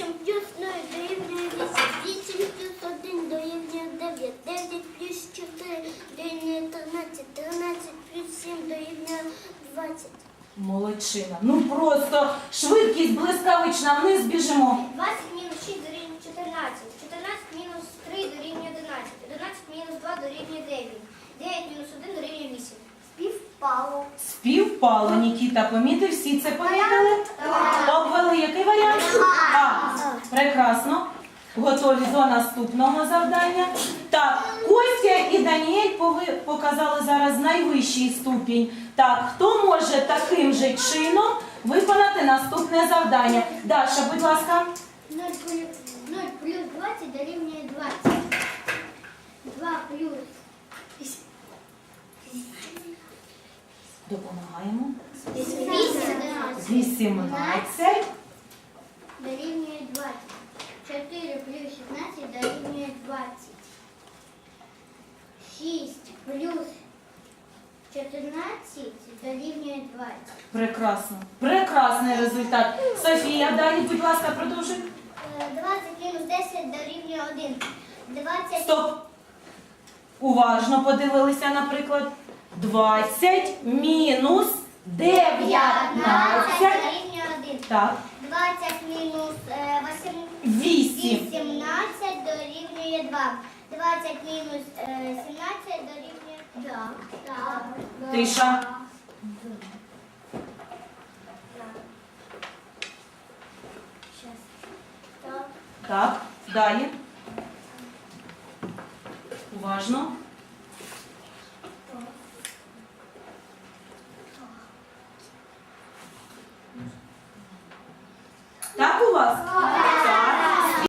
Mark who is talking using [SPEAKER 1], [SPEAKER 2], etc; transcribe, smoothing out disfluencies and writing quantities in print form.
[SPEAKER 1] 8 плюс 0 дорівнює 8. 8 плюс 1 дорівнює 9. 9 плюс 4 дорівнює 13. 13 плюс 7 дорівнює 20.
[SPEAKER 2] Молодчина. Ну просто швидкість блискавична, вниз біжимо.
[SPEAKER 1] 20 мінус 6 дорівнює 14. 14 мінус 3 дорівнює 11. 11 мінус 2 дорівнює 9. 9 мінус 1 дорівнює 8. Співпало.
[SPEAKER 2] Співпало, Нікіта, помітив? Всі це помітили? Обвели який варіант? А. Прекрасно. Готові до наступного завдання. Так, Костя і Даніель показали зараз найвищий ступінь. Так, хто може таким же чином виконати наступне завдання? Даша, будь ласка.
[SPEAKER 1] 0 плюс 20 дорівнює 20. 2 плюс
[SPEAKER 2] Допомагаємо.
[SPEAKER 1] 18
[SPEAKER 2] 18.
[SPEAKER 1] дорівнює 20. 4 плюс 16 дорівнює 20. 6 плюс 14 дорівнює 20.
[SPEAKER 2] Прекрасно. Прекрасний результат. Софія, далі, будь ласка, продовжуй.
[SPEAKER 1] 20 мінус 10 дорівнює 1. 20
[SPEAKER 2] Стоп. Уважно подивилися, наприклад. 20 мінус 19.
[SPEAKER 1] дорівнює 1.
[SPEAKER 2] Так.
[SPEAKER 1] 20 мінус
[SPEAKER 2] 8.
[SPEAKER 1] 18 дорівнює 2. 20 мінус 17 дорівнює 2.
[SPEAKER 2] Тиша. Так. Далі. Уважно. Так у вас?